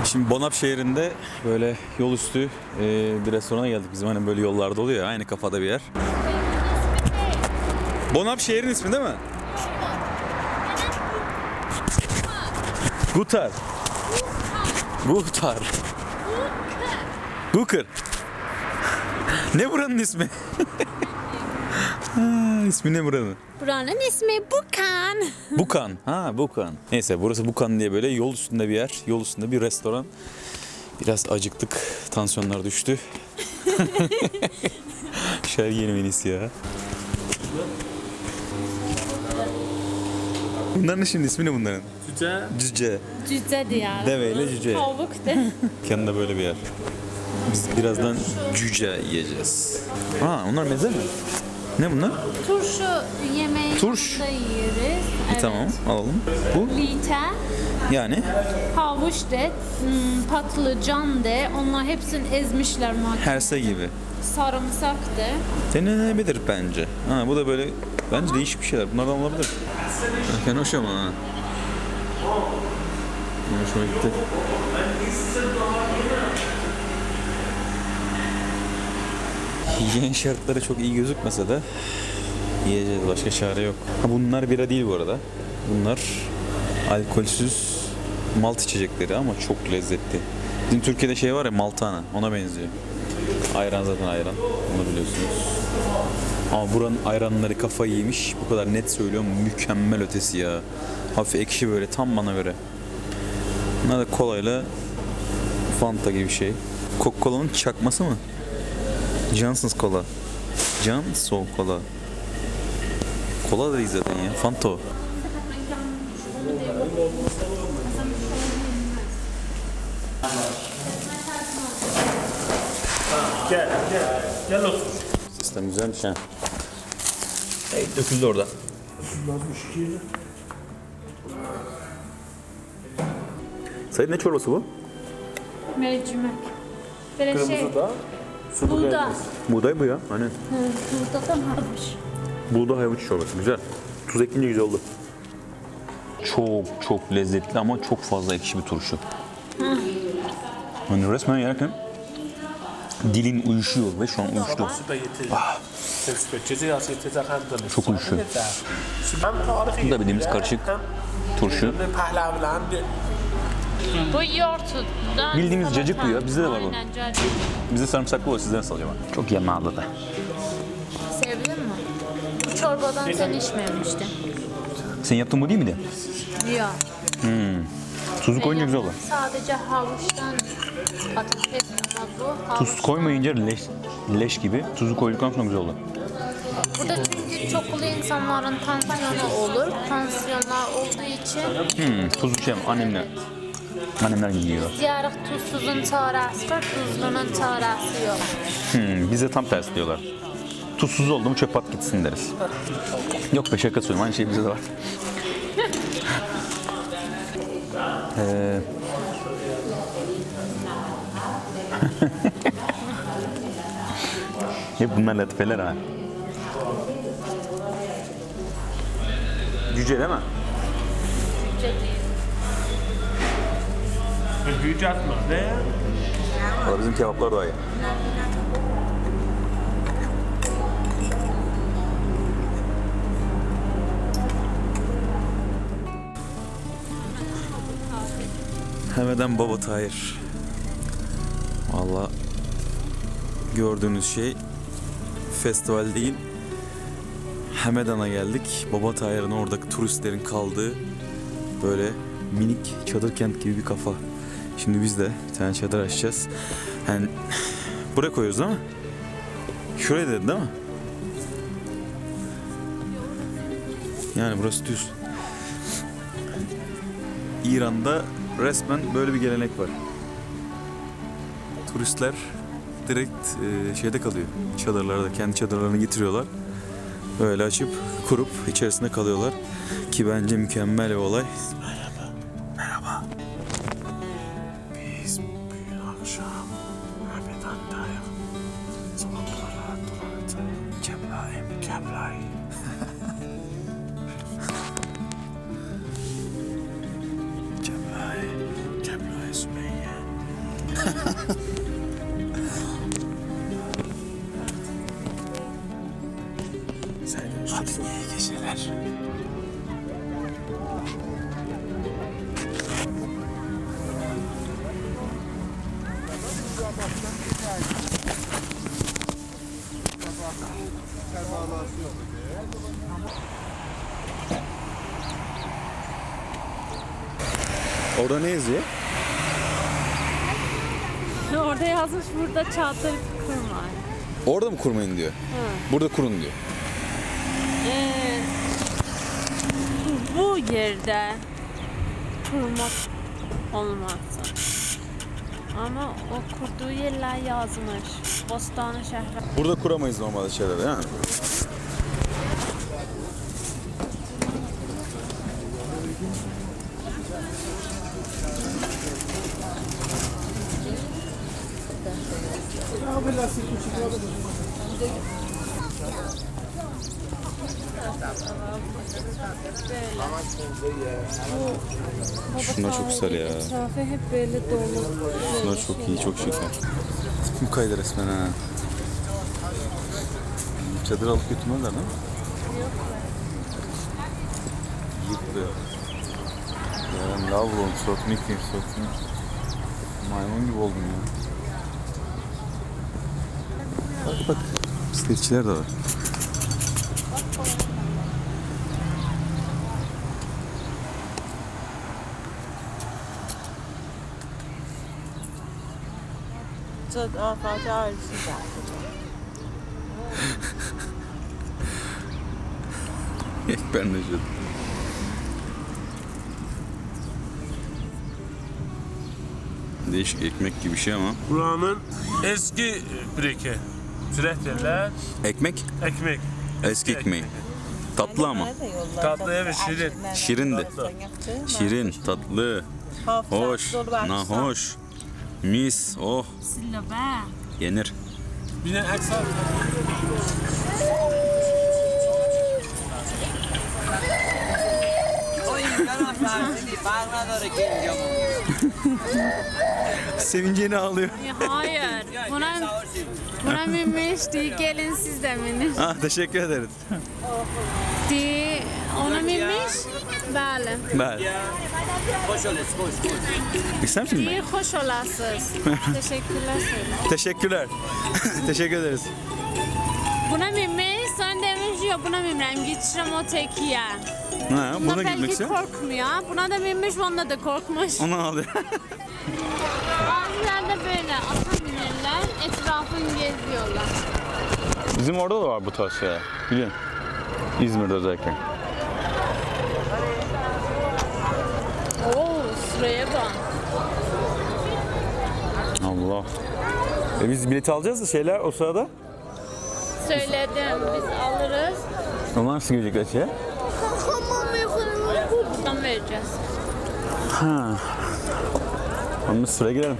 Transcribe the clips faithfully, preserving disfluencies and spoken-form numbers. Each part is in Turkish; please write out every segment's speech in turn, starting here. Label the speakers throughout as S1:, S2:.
S1: Şimdi Bonap şehrinde böyle yol üstü e, bir restorana geldik. Bizim hani böyle yollarda oluyor ya, aynı kafada bir yer. Bonap şehrin ismi değil mi? Gutar. Gutar. Guker. Ne buranın ismi? Ha, ismi ne buranın?
S2: Buranın ismi Bukan.
S1: Bukan. Ha, Bukan. Neyse, burası Bukan diye böyle yol üstünde bir yer. Yol üstünde bir restoran. Biraz acıktık. Tansiyonlar düştü. Şer yeni menüsü ya. Bunların şimdi ismi ne bunların?
S3: Cüce.
S1: Cüce.
S2: Cüce diyor.
S1: Deveyle cüce.
S2: Tavuk de.
S1: Yanında böyle bir yer. Biz birazdan cüce yiyeceğiz. Ha, onlar meze mi? Ne bunlar?
S2: Turşu yemeği
S1: Turş.
S2: da yeriz. Evet.
S1: Tamam, alalım. Bu
S2: Lite,
S1: yani
S2: havuç de, hmm, patlıcan de. Onlar hepsini ezmişler makinede.
S1: herse gibi.
S2: Sarımsak de.
S1: Denenebilir bence. Ha, bu da böyle bence değişik bir şeyler. Bunlardan olabilir. Erken hoş ama ha. Hoşuma gitti. Hijyen şartları çok iyi gözükmese de yiyeceğiz, başka çare yok. Ha, bunlar bira değil bu arada. Bunlar alkolsüz malt içecekleri ama çok lezzetli. Bizim Türkiye'de şey var ya, maltana, ona benziyor. Ayran zaten ayran, onu biliyorsunuz. Ama buranın ayranları kafayı yemiş. Bu kadar net söylüyorum, mükemmel ötesi ya. Hafif ekşi böyle, tam bana göre. Bunlar da kolayla Fanta gibi bir şey. Coca-Cola'nın çakması mı? Johnson's Cola. Johnson Cola. Kola da değil zaten ya. Fanta o.
S3: Gel, gel. Gel otur.
S1: Sistem güzelmiş ha. Hey, döküldü orada. Sayın, ne çorbası bu?
S2: Mercimek. Böyle şey,
S3: Kırmızı da. Sulu
S2: buğda.
S3: gelmez.
S1: Buğday bu ya. Aynen.
S2: Hı, buğdadan varmış.
S1: Buğday havuç çorbası. Güzel. Tuz ekleyince güzel oldu. Çok çok lezzetli ama çok fazla ekşi bir turşu. Hani resmen yerken dilin uyuşuyor ve şu an uyuştu. Çok uyuşuyor. Bu da bildiğimiz karışık turşu.
S2: Bu yoğurttan.
S1: Bildiğimiz cacık bu ya. Bizde de var bu.
S2: Aynen cacık.
S1: Bizde sarımsaklı var. Sizde nasıl acaba? Çok yağlı da.
S2: Sevdin mi? Bu çorbadan sen içmemiştin.
S1: Sen yaptığın bu değil miydi?
S2: Yok.
S1: Tuzu koyunca güzel olur.
S2: Sadece havuçtan patates ama bu havuç.
S1: Tuz koymayınca leş, leş gibi. Tuzu koyduktan sonra güzel olur.
S2: Burada çünkü çoklu insanların tansiyonu olur. Tansiyonlar olduğu için
S1: Hmm, tuzlu şey annemler. Annemler yiyor.
S2: diyarıq tuzsuzun çarəsi var, tuzlunun çarəsi yok.
S1: Hmm, bize tam tersi diyorlar. Tuzsuz oldu mu çöp at gitsin deriz. Yok be, şaka söylüyorum. Aynı şey bize de var. Ee... Hep bunlar latifeler ha. Cüce değil mi?
S3: Büyücü atma. Ne?
S1: Valla bizim kebaplar daha iyi. Hemeden Baba Tahir. Valla gördüğünüz şey festival değil. Hemedan'a geldik. Baba Tahir'in oradaki turistlerin kaldığı böyle minik çadır kent gibi bir kafa. Şimdi biz de bir tane çadır açacağız. Yani buraya koyuyoruz değil mi? Şuraya dedi değil mi? Yani burası düz. İran'da resmen böyle bir gelenek var. Turistler direkt e, şeyde kalıyor. Çadırlarda, kendi çadırlarını getiriyorlar. Böyle açıp kurup içerisinde kalıyorlar. Ki bence mükemmel bir olay. Merhaba. Merhaba.
S3: Biz bugün akşam Hamedan'dayız. Sokaklara dolanacağız. Keblayım, keblayım. Keblay, Keblay Sümeyye.
S1: Hadi iyi geceler. Orada ne yazıyor?
S4: Orada yazmış burada çağatay kurmay.
S1: Orada mı kurmayın diyor. Burada kurun diyor.
S4: Ee, bu yerde kurmak olmazsa. Ama o kurduğu yerler yazmış. Bostane şehri.
S1: Burada kuramayız normalde şeyler değil mi? Şunlar çok güzel ya.
S4: Etrafı hep böyle dolu.
S1: Şunlar çok iyi, çok şeker. Tüm kaydı resmen ha. Çadır alıp götürmezler değil mi? Yok. Yıktı. Yani lav olmuş, sokmak diyeyim, sokmak. Maymun gibi oldum ya. Bak bak, bisikletçiler de var. Ben de şöyle. Değişik ekmek gibi bir şey ama.
S3: Buranın eski breke. Süret yerler.
S1: Ekmek?
S3: Ekmek.
S1: Eski ekmeği. Tatlı ama.
S3: Tatlı ve şirin.
S1: Şirin de. Şirin, tatlı, hoş, nahoş, mis, oh,
S4: Sillabe.
S1: yenir.
S3: Bir de aksan.
S1: Sevinceni ağlıyor.
S4: Hayır. Buna, buna minmiş değil. Gelin siz de minin.
S1: Ah, teşekkür ederiz.
S4: Değil. Ona minmiş. Bəli.
S1: Ben. İster misin ben?
S4: Değil, hoş olasınız. Teşekkürler söyle.
S1: Teşekkürler. Teşekkür ederiz.
S4: Buna minmiş. Sen demiş yok buna minmem. Geçirəm o tekiye.
S1: Ha,
S4: Buna
S1: buna gitmek
S4: belki
S1: istiyor.
S4: korkmuyor. Buna da minmiş, bunda da korkmuş.
S1: Onu ağlıyor.
S4: Bazılarda böyle ata binirler, etrafını geziyorlar.
S1: Bizim orada da var bu tarz şeyler. Biliyorsun. İzmir'de özellikle.
S4: Oo, sıraya bak.
S1: Allah. E biz bileti alacağız da şeyler o sırada.
S4: Söyledim, biz alırız.
S1: Onlar nasıl görecekler şeye?
S4: Buradan vereceğiz.
S1: Ha. Ama biz sıraya girelim.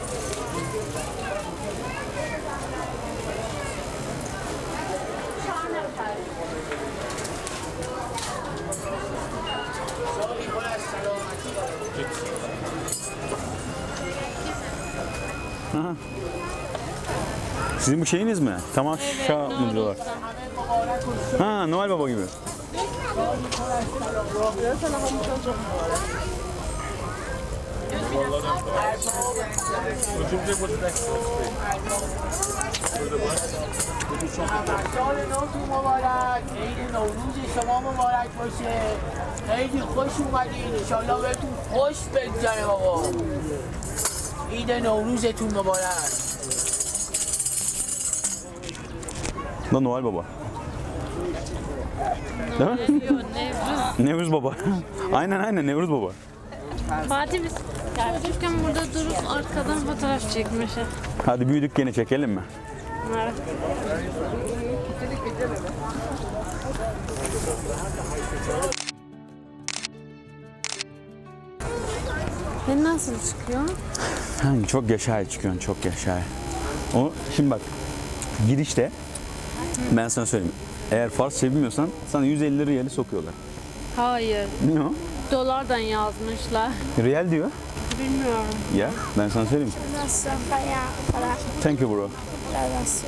S1: Aha. Sizin bu şeyiniz mi? Tamaşa mı diyorlar? Ha, Noel Baba gibi.
S5: سال نوتون مبارک، عید نوروز شما مبارک باشه. خیلی خوش اومدین، انشالله بهتون خوش بگذره بابا. عید نوروزتون مبارک.
S1: Da Noel Baba. Değil mi?
S4: Yok, Nevruz.
S1: Nevruz Baba. Aynen aynen Nevruz Baba.
S4: Fatih biz çocukken burada durup arkadan fotoğraf çekmişiz.
S1: Hadi büyüdük gene çekelim mi?
S4: Evet. Ben nasıl çıkıyor?
S1: Yani çok yaşay çıkıyorsun, çok yaşay. O şimdi bak girişte ben sana söyleyeyim. Eğer Farsça bilmiyorsan sana yüz elli lira yeri sokuyorlar.
S4: Hayır.
S1: Ne o?
S4: dolardan yazmışlar.
S1: Real diyor.
S4: Bilmiyorum.
S1: Ya ben sana söyleyeyim.
S2: Nossa, para, para,
S1: Thank you bro.
S2: nossa,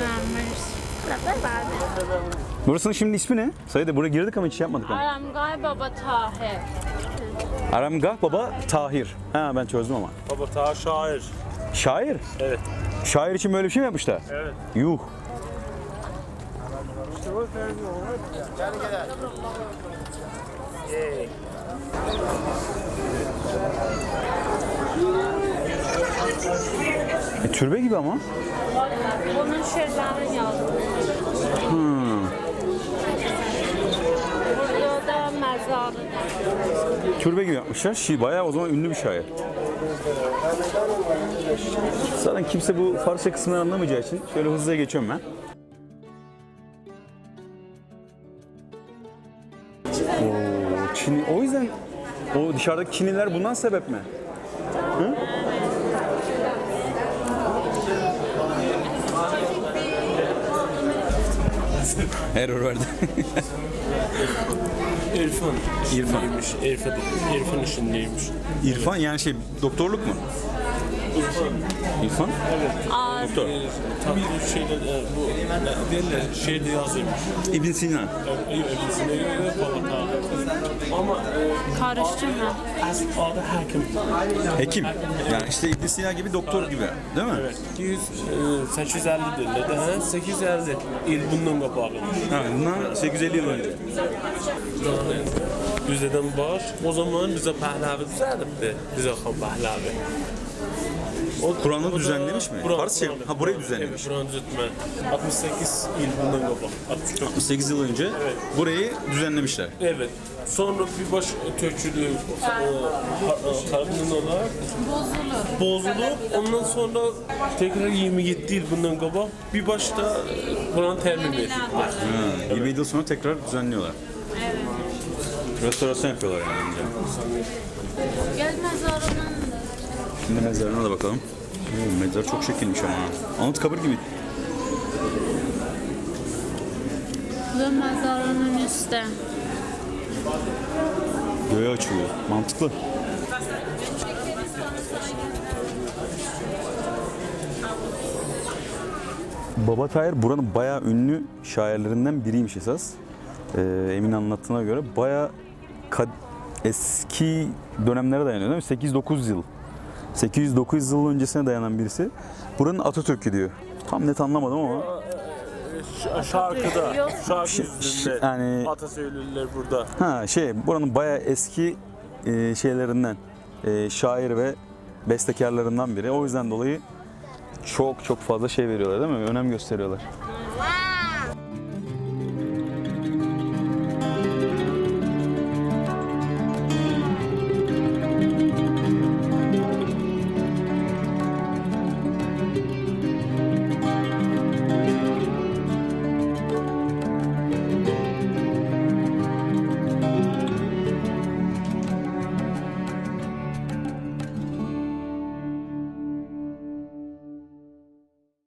S1: Burasının şimdi ismi ne? Sayıda buraya girdik ama hiç şey yapmadık. Ama.
S4: Aramgay Baba Tahir.
S1: Aramgah Baba Tahir. Ha ben çözdüm ama.
S3: Baba ta şair.
S1: Şair.
S3: Evet.
S1: Şair için böyle bir şey mi yapmışlar?
S3: Evet.
S1: Yuh. E, türbe gibi ama.
S4: Onun şeylerini yazdım.
S1: Hmm.
S4: Burada da mezarı.
S1: Türbe gibi yapmışlar. Şi bayağı o zaman ünlü bir şair. Zaten kimse bu Farsça kısmını anlamayacağı için şöyle hızlıca geçiyorum ben. Oo, Çin, o yüzden o dışarıdaki Çinliler bundan sebep mi? Hı? Error verdi.
S3: İrfan.
S1: İrfan.
S3: işindeymiş. İrfan, İrfan işindeymiş.
S1: İrfan yani şey doktorluk mu? İrfan?
S4: Az.
S1: Doktor.
S3: Tatlı şeyler e, bu ne derler şeyde yazıyormuş.
S1: İbn Sina.
S3: Öbürsüne göre baba ta. Ama e,
S4: Karıştırma.
S3: asıl adı hakim.
S1: Hekim. Yani işte İbn Sina gibi doktor gibi. Değil mi?
S3: Evet. iki yüz, e, sekiz yüz elli derler. Daha sekiz yüz elli il bundan kapalı.
S1: Ha, bundan sekiz yüz elli yıl önce.
S3: Bizden baş. O zaman bize Pahlavi düzeltti. Bize Han Pahlavi.
S1: Kur'an'ı
S3: O da-
S1: düzenlemiş mi?
S3: Kur'an-
S1: Farsça
S3: Kur'an-
S1: ha burayı düzenlemiş.
S3: Evet, Kur'an düzeltme. altmış sekiz il bundan kapalı. altmış dokuz.
S1: sekiz yıl önce burayı düzenlemişler.
S3: Evet. Sonra bir baş tökülü tarafından olarak
S4: Bozulur.
S3: bozulup ondan sonra tekrar yirmi yedi yıl bundan kabak bir başta Kur'an termin edildi.
S1: Ha, yirmi yıl sonra tekrar düzenliyorlar.
S4: Evet.
S1: Restorasyon yapıyorlar yani. önce.
S4: Gel mezarının
S1: Şimdi mezarına da bakalım. Oo, mezar çok şekilmiş ama. Anıtkabir gibi.
S4: ve mezarının üstte.
S1: Göğe açılıyor. Mantıklı. Baba Tahir buranın bayağı ünlü şairlerinden biriymiş esas. Ee, Emin anlattığına göre bayağı kad- eski dönemlere dayanıyor değil mi? sekiz dokuz yıl. sekiz yüz dokuz yıl öncesine dayanan birisi. Buranın Atatürk'ü diyor. Tam net anlamadım ama.
S3: Şarkıda, şarkı
S1: Ş-
S3: yüzünde
S1: yani-
S3: atasöylüler burada.
S1: Ha şey buranın bayağı eski e, şeylerinden e, şair ve bestekarlarından biri. O yüzden dolayı çok çok fazla şey veriyorlar değil mi? Önem gösteriyorlar.